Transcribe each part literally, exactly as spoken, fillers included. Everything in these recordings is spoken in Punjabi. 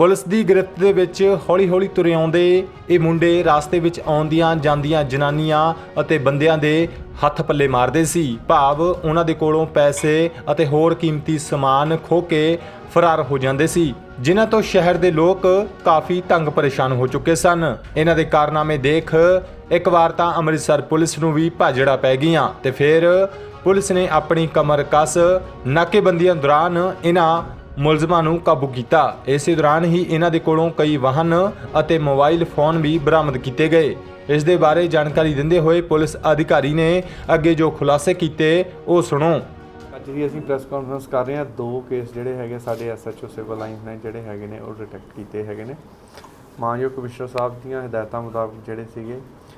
ਪੁਲਿਸ ਦੀ ਗ੍ਰਿਫਤ ਦੇ ਵਿੱਚ ਹੌਲੀ ਹੌਲੀ ਤੁਰੇ ਆਉਂਦੇ ਇਹ ਮੁੰਡੇ ਰਾਸਤੇ ਵਿੱਚ ਆਉਂਦੀਆਂ ਜਾਂਦੀਆਂ ਜਨਾਨੀਆਂ ਅਤੇ ਬੰਦਿਆਂ ਦੇ ਹੱਥ ਪੱਲੇ ਮਾਰਦੇ ਸੀ। ਭਾਵ ਉਹਨਾਂ ਦੇ ਕੋਲੋਂ ਪੈਸੇ ਅਤੇ ਹੋਰ ਕੀਮਤੀ ਸਮਾਨ ਖੋਹ ਕੇ ਫਰਾਰ ਹੋ ਜਾਂਦੇ ਸੀ, ਜਿਨ੍ਹਾਂ ਤੋਂ ਸ਼ਹਿਰ ਦੇ ਲੋਕ ਕਾਫੀ ਤੰਗ ਪਰੇਸ਼ਾਨ ਹੋ ਚੁੱਕੇ ਸਨ। ਇਹਨਾਂ ਦੇ ਕਾਰਨਾਮੇ ਦੇਖ ਇੱਕ ਵਾਰ ਤਾਂ ਅੰਮ੍ਰਿਤਸਰ ਪੁਲਿਸ ਨੂੰ ਵੀ ਭਾਜੜਾ ਪੈ ਗਈਆਂ ਤੇ ਫਿਰ ਪੁਲਿਸ ਨੇ ਆਪਣੀ ਕਮਰ ਕਸ ਨਾਕੇਬੰਦੀਆਂ ਦੌਰਾਨ ਇਹਨਾਂ ਮੁਲਜ਼ਮਾਂ ਨੂੰ ਕਾਬੂ ਕੀਤਾ। ਇਸੇ ਦੌਰਾਨ ਹੀ ਇਹਨਾਂ ਦੇ ਕੋਲੋਂ ਕਈ ਵਾਹਨ ਅਤੇ ਮੋਬਾਈਲ ਫੋਨ ਵੀ ਬਰਾਮਦ ਕੀਤੇ ਗਏ। ਇਸ ਦੇ ਬਾਰੇ ਜਾਣਕਾਰੀ ਦਿੰਦੇ ਹੋਏ ਪੁਲਿਸ ਅਧਿਕਾਰੀ ਨੇ ਅੱਗੇ ਜੋ ਖੁਲਾਸੇ ਕੀਤੇ ਉਹ ਸੁਣੋ। ਅੱਜ ਵੀ ਅਸੀਂ ਪ੍ਰੈਸ ਕਾਨਫਰੰਸ ਕਰ ਰਹੇ ਹਾਂ। ਦੋ ਕੇਸ ਜਿਹੜੇ ਹੈਗੇ ਸਾਡੇ ਐਸਐਚਓ ਸਿਵਲ ਲਾਈਨਸ ਨੇ ਜਿਹੜੇ ਹੈਗੇ ਨੇ ਉਹ ਡਿਟੈਕਟ ਕੀਤੇ ਹੈਗੇ ਨੇ। ਮਾਨਯੋਗ ਕਮਿਸ਼ਨਰ ਸਾਹਿਬ ਦੀਆਂ ਹਦਾਇਤਾਂ ਮੁਤਾਬਕ ਜਿਹੜੇ ਸੀਗੇ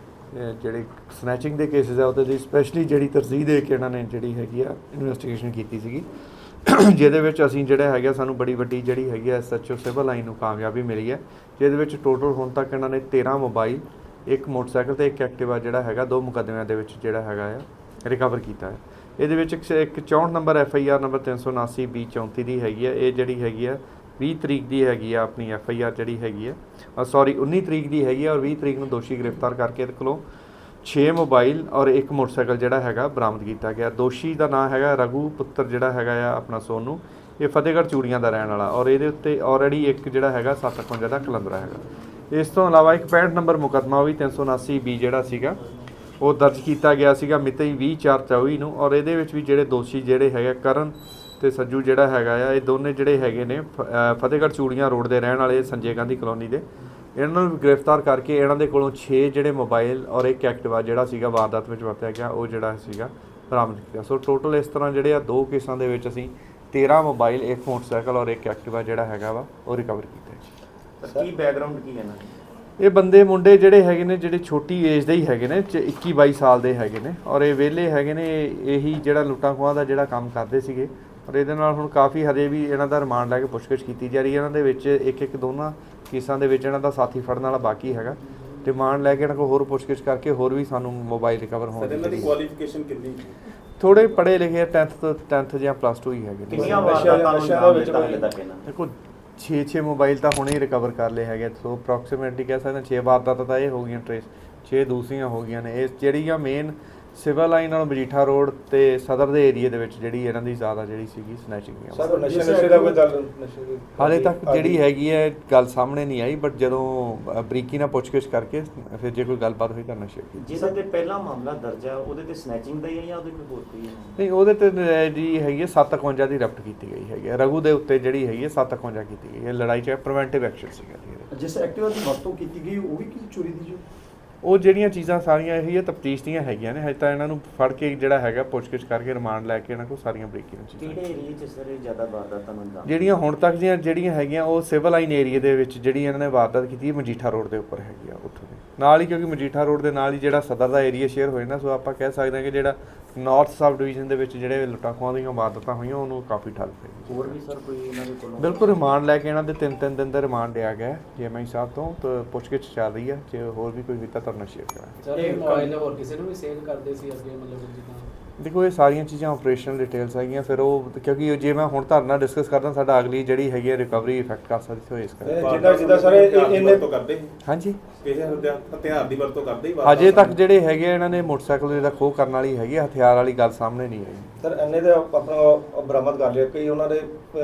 ਜਿਹੜੇ ਸਨੈਚਿੰਗ ਦੇ ਕੇਸਿਸ ਆ ਉਹਦੇ ਲਈ ਸਪੈਸ਼ਲੀ ਜਿਹੜੀ ਤਰਜੀਹ ਦੇ ਕੇ ਇਹਨਾਂ ਨੇ ਜਿਹੜੀ ਹੈਗੀ ਆ ਇਨਵੈਸਟੀਗੇਸ਼ਨ ਕੀਤੀ ਸੀਗੀ, ਜਿਹਦੇ ਵਿੱਚ ਅਸੀਂ ਜਿਹੜਾ ਹੈਗਾ ਸਾਨੂੰ ਬੜੀ ਵੱਡੀ ਜਿਹੜੀ ਹੈਗੀ ਆ ਐਸਐਚਓ ਸਿਵਲ ਲਾਈਨ ਨੂੰ ਕਾਮਯਾਬੀ ਮਿਲੀ ਹੈ, ਜਿਹਦੇ ਵਿੱਚ ਟੋਟਲ ਹੁਣ ਤੱਕ ਇਹਨਾਂ ਨੇ ਤੇਰ੍ਹਾਂ ਮੋਬਾਈਲ, ਇੱਕ ਮੋਟਰਸਾਈਕਲ ਤੇ ਇੱਕ ਐਕਟਿਵਾ ਜਿਹੜਾ ਹੈਗਾ ਦੋ ਮੁਕੱਦਮਿਆਂ ਦੇ ਵਿੱਚ ਜਿਹੜਾ ਹੈਗਾ ਆ ਰਿਕਵਰ ਕੀਤਾ ਹੈ। ਇਹਦੇ ਵਿੱਚ ਇੱਕ ਚੌਂਹਠ number F I R number ਤਿੰਨ ਸੌ ਉਨਾਸੀ ਵੀਹ ਚੌਂਤੀ ਦੀ ਹੈਗੀ ਆ। ਇਹ ਜਿਹੜੀ ਹੈਗੀ ਆ ਵੀਹ ਤਰੀਕ ਦੀ ਹੈਗੀ ਆ ਆਪਣੀ ਐਫ ਆਈ ਆਰ ਜਿਹੜੀ ਹੈਗੀ ਆ ਸੌਰੀ ਉੱਨੀ ਤਰੀਕ ਦੀ ਹੈਗੀ ਆ ਔਰ ਵੀਹ ਤਰੀਕ ਨੂੰ ਦੋਸ਼ੀ ਗ੍ਰਿਫਤਾਰ ਕਰਕੇ ਇਹਦੇ ਕੋਲੋਂ ਛੇ ਮੋਬਾਈਲ ਔਰ ਇੱਕ ਮੋਟਰਸਾਈਕਲ ਜਿਹੜਾ ਹੈਗਾ ਬਰਾਮਦ ਕੀਤਾ ਗਿਆ। ਦੋਸ਼ੀ ਦਾ ਨਾਮ ਹੈਗਾ ਰਘੂ ਪੁੱਤਰ ਜਿਹੜਾ ਹੈਗਾ ਆ ਆਪਣਾ ਸੋਨੂ, ਇਹ ਫਤਿਹਗੜ੍ਹ ਚੂੜੀਆਂ ਦਾ ਰਹਿਣ ਵਾਲਾ ਔਰ ਇਹਦੇ ਉੱਤੇ ਆਲਰੇਡੀ ਇੱਕ ਜਿਹੜਾ ਹੈਗਾ ਸੱਤ ਇਕਵੰਜਾ ਦਾ ਕਲੰਦਰਾ ਹੈਗਾ। ਇਸ ਤੋਂ ਇਲਾਵਾ ਇੱਕ ਪੈਂਹਠ ਨੰਬਰ ਮੁਕੱਦਮਾ ਵੀ ਤਿੰਨ ਸੌ ਉਨਾਸੀ ਬੀ ਜਿਹੜਾ ਸੀਗਾ ਉਹ ਦਰਜ ਕੀਤਾ ਗਿਆ ਸੀਗਾ ਮਿਤੀ ਵੀਹ ਚਾਰ ਚੌਵੀ ਨੂੰ ਔਰ ਇਹਦੇ ਵਿੱਚ ਵੀ ਜਿਹੜੇ ਦੋਸ਼ੀ ਜਿਹੜੇ ਹੈਗੇ ਕਰਨ ਤੇ ਸੱਜੂ ਜਿਹੜਾ ਹੈਗਾ ਆ ਇਹ ਦੋਨੇ ਜਿਹੜੇ ਹੈਗੇ ਨੇ ਫਤਿਹਗੜ੍ਹ ਚੂੜੀਆਂ ਰੋਡ ਦੇ ਰਹਿਣ ਵਾਲੇ ਸੰਜੇ ਗਾਂਧੀ ਕਲੋਨੀ ਦੇ, ਇਹਨਾਂ ਨੂੰ ਗ੍ਰਿਫਤਾਰ ਕਰਕੇ ਇਹਨਾਂ ਦੇ ਕੋਲੋਂ ਛੇ ਜਿਹੜੇ ਮੋਬਾਈਲ ਔਰ ਇੱਕ ਐਕਟਿਵਾ ਜਿਹੜਾ ਸੀਗਾ ਵਾਰਦਾਤ ਵਿੱਚ ਵਰਤਿਆ ਗਿਆ ਉਹ ਜਿਹੜਾ ਸੀਗਾ ਬਰਾਮਦ ਕੀਤਾ। ਸੋ ਟੋਟਲ ਇਸ ਤਰ੍ਹਾਂ ਜਿਹੜੇ ਆ ਦੋ ਕੇਸਾਂ ਦੇ ਵਿੱਚ ਅਸੀਂ ਤੇਰ੍ਹਾਂ ਮੋਬਾਈਲ, ਇੱਕ ਮੋਟਰਸਾਈਕਲ ਔਰ ਇੱਕ ਐਕਟਿਵਾ ਜਿਹੜਾ ਹੈਗਾ ਵਾ ਉਹ ਰਿਕਵਰ ਕੀਤਾ। ਕੀ ਬੈਕਗ੍ਰਾਉਂਡ ਕੀ ਹੈ ਨਾ ਇਹ ਬੰਦੇ ਮੁੰਡੇ ਜਿਹੜੇ ਹੈਗੇ ਨੇ ਜਿਹੜੇ ਛੋਟੀ ਏਜ ਦੇ ਹੀ ਹੈਗੇ ਨੇ, ਇੱਕੀ ਬਾਈ ਸਾਲ ਦੇ ਹੈਗੇ ਨੇ ਔਰ ਇਹ ਵਿਹਲੇ ਹੈਗੇ ਨੇ। ਇਹੀ ਜਿਹੜਾ ਲੁੱਟਾਂ ਖੋਹਾਂ ਦਾ ਜਿਹੜਾ ਕੰਮ ਕਰਦੇ ਸੀਗੇ ਔਰ ਇਹਦੇ ਨਾਲ ਹੁਣ ਕਾਫੀ ਹਜੇ ਵੀ ਇਹਨਾਂ ਦਾ ਰਿਮਾਂਡ ਲੈ ਕੇ ਪੁੱਛਗਿੱਛ ਕੀਤੀ ਜਾ ਰਹੀ ਹੈ। ਇਹਨਾਂ ਦੇ ਵਿੱਚ ਇੱਕ ਇੱਕ ਦੋਨਾਂ ਕੇਸਾਂ ਦੇ ਵਿੱਚ ਇਹਨਾਂ ਦਾ ਸਾਥੀ ਫੜਨ ਵਾਲਾ ਬਾਕੀ ਹੈਗਾ। ਰਿਮਾਂਡ ਲੈ ਕੇ ਇਹਨਾਂ ਕੋਲ ਹੋਰ ਪੁੱਛਗਿੱਛ ਕਰਕੇ ਹੋਰ ਵੀ ਸਾਨੂੰ ਮੋਬਾਈਲ ਰਿਕਵਰ ਹੋਣ ਦੀ। ਇਹਨਾਂ ਦੀ ਕੁਆਲੀਫਿਕੇਸ਼ਨ ਕਿੰਨੀ? ਥੋੜੇ ਪੜ੍ਹੇ ਲਿਖੇ ਟੈਂਥ ਤੋਂ ਟੈਂਥ ਜਾਂ ਪਲੱਸ ਟੂ ਹੀ ਹੈਗੇ ਨੇ। ਕਿੰਨੀਆਂ ਵਾਰਦਾਤਾਂ ਨੂੰ ਨਾਮ ਦਿੱਤਾ ਹਾਲੇ ਤੱਕ ਇਹਨਾਂ? ਦੇਖੋ ਛੇ ਛੇ ਮੋਬਾਈਲ ਤਾਂ ਹੁਣੇ ਹੀ ਰਿਕਵਰ ਕਰ ਲਏ ਹੈਗੇ। ਸੋ ਅਪਰੋਕਸੀਮੇਟਲੀ ਕਹਿ ਸਕਦੇ ਛੇ ਵਾਰਦਾਤਾਂ ਤਾਂ ਇਹ ਹੋ ਗਈਆਂ ਟਰੇਸ, ਛੇ ਦੂਸਰੀਆਂ ਹੋ ਗਈਆਂ ਨੇ। ਇਹ ਜਿਹੜੀਆਂ ਮੇਨ ਸਿਵਲ ਲਾਈਨ ਨਾਲ ਮਜੀਠਾ ਰੋਡ ਤੇ ਸਦਰ ਦੇ ਏਰੀਏ ਦੇ ਵਿੱਚ ਜਿਹੜੀ ਇਹਨਾਂ ਦੀ ਜ਼ਿਆਦਾ ਜਿਹੜੀ ਸੀਗੀ ਸਨੈਚਿੰਗ ਦੀ। ਸਰ ਨਸ਼ੇ ਨਸ਼ੇ ਦਾ ਕੋਈ ਗੱਲ ਨਸ਼ੇ ਹਾਲੇ ਤੱਕ ਜਿਹੜੀ ਹੈਗੀ ਹੈ ਗੱਲ ਸਾਹਮਣੇ ਨਹੀਂ ਆਈ, ਬਟ ਜਦੋਂ ਬਰੀਕੀ ਨਾਲ ਪੁੱਛਗਿੱਛ ਕਰਕੇ ਫਿਰ ਜੇ ਕੋਈ ਗੱਲਬਾਤ ਹੋਈ ਤਾਂ ਨਸ਼ੇ ਦੀ। ਜਿਹਦੇ ਤੇ ਪਹਿਲਾ ਮਾਮਲਾ ਦਰਜ ਹੈ ਉਹਦੇ ਤੇ ਸਨੈਚਿੰਗ ਦਾ ਹੀ ਹੈ ਜਾਂ ਉਹਦੇ ਕੋਈ ਹੋਰ ਕੋਈ ਹੈ? ਨਹੀਂ, ਉਹਦੇ ਤੇ ਜੀ ਹੈਗੀ ਹੈ ਸੱਤ ਇਕਵੰਜਾ ਦੀ ਰਫਟ ਕੀਤੀ ਗਈ ਹੈਗੀ ਹੈ। ਰਘੂ ਦੇ ਉੱਤੇ ਜਿਹੜੀ ਹੈਗੀ ਹੈ ਸੱਤ ਇਕਵੰਜਾ ਕੀਤੀ ਗਈ ਹੈ। ਲੜਾਈ 'ਚ ਪ੍ਰੀਵੈਂਟਿਵ ਐਕਸ਼ਨ ਸੀਗਾ। ਜਿਸ ਐਕਟਿਵਾ ਦੀ ਵਰਤੋਂ ਕੀਤੀ ਗਈ ਉਹ ਵੀ ਕਿਸੇ ਚੋਰੀ ਦੀ ਜੋ ਉਹ ਜਿਹੜੀਆਂ ਚੀਜ਼ਾਂ ਸਾਰੀਆਂ ਇਹੀ ਹੈ ਤਫਤੀਸ਼ ਦੀਆਂ ਹੈਗੀਆਂ ਨੇ। ਹਜੇ ਤਾਂ ਇਹਨਾਂ ਨੂੰ ਫੜ ਕੇ ਜਿਹੜਾ ਹੈਗਾ ਪੁੱਛਗਿੱਛ ਕਰਕੇ ਰਿਮਾਂਡ ਲੈ ਕੇ ਇਹਨਾਂ ਕੋਲ ਸਾਰੀਆਂ ਬਰੀਕੀ ਨਾਲ ਚੀਜ਼ਾਂ। ਕਿਹੜੇ ਏਰੀਏ 'ਚ ਸਰ ਜ਼ਿਆਦਾ ਵਾਰਦਾਤਾਂ ਨੂੰ ਅੰਜਾਮ ਜਿਹੜੀਆਂ ਹੁਣ ਤੱਕ ਦੀਆਂ ਜਿਹੜੀਆਂ ਹੈਗੀਆਂ ਉਹ ਸਿਵਲ ਲਾਈਨ ਏਰੀਏ ਦੇ ਵਿੱਚ ਜਿਹੜੀ ਇਹਨਾਂ ਨੇ ਵਾਰਦਾਤ ਕੀਤੀ ਹੈ ਮਜੀਠਾ ਰੋਡ ਦੇ ਉੱਪਰ ਹੈਗੀ ਆ ਉੱਥੋਂ ਦੇ ਨਾਲ ਹੀ, ਕਿਉਂਕਿ ਮਜੀਠਾ ਰੋਡ ਦੇ ਨਾਲ ਹੀ ਜਿਹੜਾ ਸਦਰ ਦਾ ਏਰੀਆ ਸ਼ੇਅਰ ਹੋਇਆ ਨਾ। ਸੋ ਆਪਾਂ ਕਹਿ ਸਕਦੇ ਹਾਂ ਕਿ ਜਿਹੜਾ ਨਾਰਥ ਸਬ ਡਿਵੀਜ਼ਨ ਦੇ ਵਿੱਚ ਜਿਹੜੇ ਲੁੱਟਾਂ ਖੋਹਾਂ ਦੀਆਂ ਵਾਰਦਾਤਾਂ ਹੋਈਆਂ ਉਹਨੂੰ ਕਾਫੀ ਠੱਲ ਪਈ। ਹੋਰ ਵੀ ਸਰ ਕੋਈ ਇਹਨਾਂ ਦੇ ਕੋਲੋਂ? ਬਿਲਕੁਲ ਰਿਮਾਂਡ ਲੈ ਕੇ ਇਹਨਾਂ ਦੇ ਤਿੰਨ ਤਿੰਨ ਦਿਨ ਦਾ ਰਿਮਾਂਡ ਲਿਆ ਗਿਆ ਜੀ ਐਮ ਆਈ ਸਾਹਿਬ ਤੋਂ। ਤਾਂ ਪੁੱਛਗਿੱਛ ਚੱਲ ਰਹੀ ਹੈ, ਜੇ ਹੋਰ ਵੀ ਕੋਈ ਕੀਤਾ ਤਾਂ ਸ਼ੇਅਰ ਕਰਾਂਗੇ। ਸਰ ਇਹ ਮੋਬਾਈਲ ਹੋਰ ਕਿਸੇ ਨੂੰ ਵੀ ਸੇਲ ਕਰਦੇ ਸੀ ਅੱਗੇ ਮਤਲਬ ਜਿੱਦਾਂ? ਦੇਖੋ ਇਹ ਸਾਰੀਆਂ ਚੀਜ਼ਾਂ ਆਪਰੇਸ਼ਨਲ ਡਿਟੇਲਸ ਹੈਗੀਆਂ। ਫਿਰ ਉਹ ਕਿਉਂਕਿ ਜੇ ਮੈਂ ਹੁਣ ਤੁਹਾਡੇ ਨਾਲ ਡਿਸਕਸ ਕਰਦਾ ਸਾਡਾ ਅਗਲੀ ਜਿਹੜੀ ਹੈਗੀ ਹੈ ਰਿਕਵਰੀ ਇਫੈਕਟ ਕਰ ਸਕਦੀ ਸੋ ਇਸ ਕਰਕੇ ਜਿੱਦਾਂ ਜਿੱਦਾਂ ਸਰ ਇਹਨੇ ਤੋਂ ਕਰਦੇ ਹਾਂਜੀ ਕਿਸੇ ਹਥਿਆਰ ਦੀ ਵਰਤੋਂ ਕਰਦੇ ਹੀ ਅਜੇ ਤੱਕ ਜਿਹੜੇ ਹੈਗੇ ਇਹਨਾਂ ਨੇ ਮੋਟਰਸਾਈਕਲ ਜਿਹੜਾ ਖੋਹ ਕਰਨ ਵਾਲੀ ਹੈਗੀ ਹਥਿਆਰ ਵਾਲੀ ਗੱਲ ਸਾਹਮਣੇ ਨਹੀਂ ਆਈ। ਸਰ ਇਹਨੇ ਤੇ ਆਪਣਾ ਬਰਾਮਦ ਕਰ ਲਿਆ, ਕਈ ਉਹਨਾਂ ਦੇ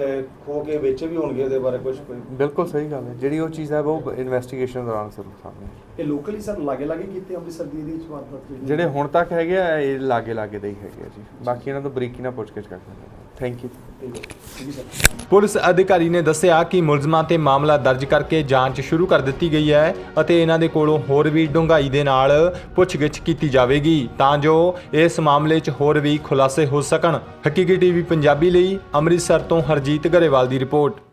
ਖੋ ਕੇ ਵੇਚੇ ਵੀ ਹੋਣਗੇ, ਉਹਦੇ ਬਾਰੇ ਕੁਝ ਕੋਈ? ਬਿਲਕੁਲ ਸਹੀ ਗੱਲ ਹੈ। ਜਿਹੜੀ ਉਹ ਚੀਜ਼ ਹੈ ਉਹ ਇਨਵੈਸਟੀਗੇਸ਼ਨ ਦੌਰਾਨ ਜ਼ਰੂਰ ਸਾਹਮਣੇ ਇਹ ਲੋਕਲੀ ਸਰ ਲਾਗੇ ਲਾਗੇ ਕੀਤੇ ਅੰਮ੍ਰਿਤਸਰ ਦੀ ਇਹਦੇ ਵਿੱਚ ਵਾਰਦਾਤ ਜਿਹੜੇ ਹੁਣ ਤੱਕ ਹੈਗੇ ਆ ਇਹ ਲਾਗੇ ਲਾਗੇ ਦੇ ਹੀ ਹੈਗੇ ਆ ਜੀ। ਬਾਕੀ ਇਹਨਾਂ ਤੋਂ ਬਰੀਕੀ ਨਾਲ ਪੁੱਛਗਿੱਛ ਕਰਦੇ ਹਾਂ। Thank you. ਪੁਲਿਸ ਅਧਿਕਾਰੀ ਨੇ ਦੱਸਿਆ ਕਿ ਮੁਲਜ਼ਮਾਂ ਤੇ ਮਾਮਲਾ ਦਰਜ ਕਰਕੇ ਜਾਂਚ ਸ਼ੁਰੂ ਕਰ ਦਿੱਤੀ ਗਈ ਹੈ ਅਤੇ ਇਹਨਾਂ ਦੇ ਕੋਲੋਂ ਹੋਰ ਵੀ ਡੂੰਘਾਈ ਦੇ ਨਾਲ ਪੁੱਛਗਿੱਛ ਕੀਤੀ ਜਾਵੇਗੀ ਤਾਂ ਜੋ ਇਸ ਮਾਮਲੇ 'ਚ ਹੋਰ ਵੀ ਖੁਲਾਸੇ ਹੋ ਸਕਣ। ਹਕੀਕੀ ਟੀਵੀ ਪੰਜਾਬੀ ਲਈ ਅੰਮ੍ਰਿਤਸਰ ਤੋਂ ਹਰਜੀਤ ਗਰੇਵਾਲ ਦੀ ਰਿਪੋਰਟ।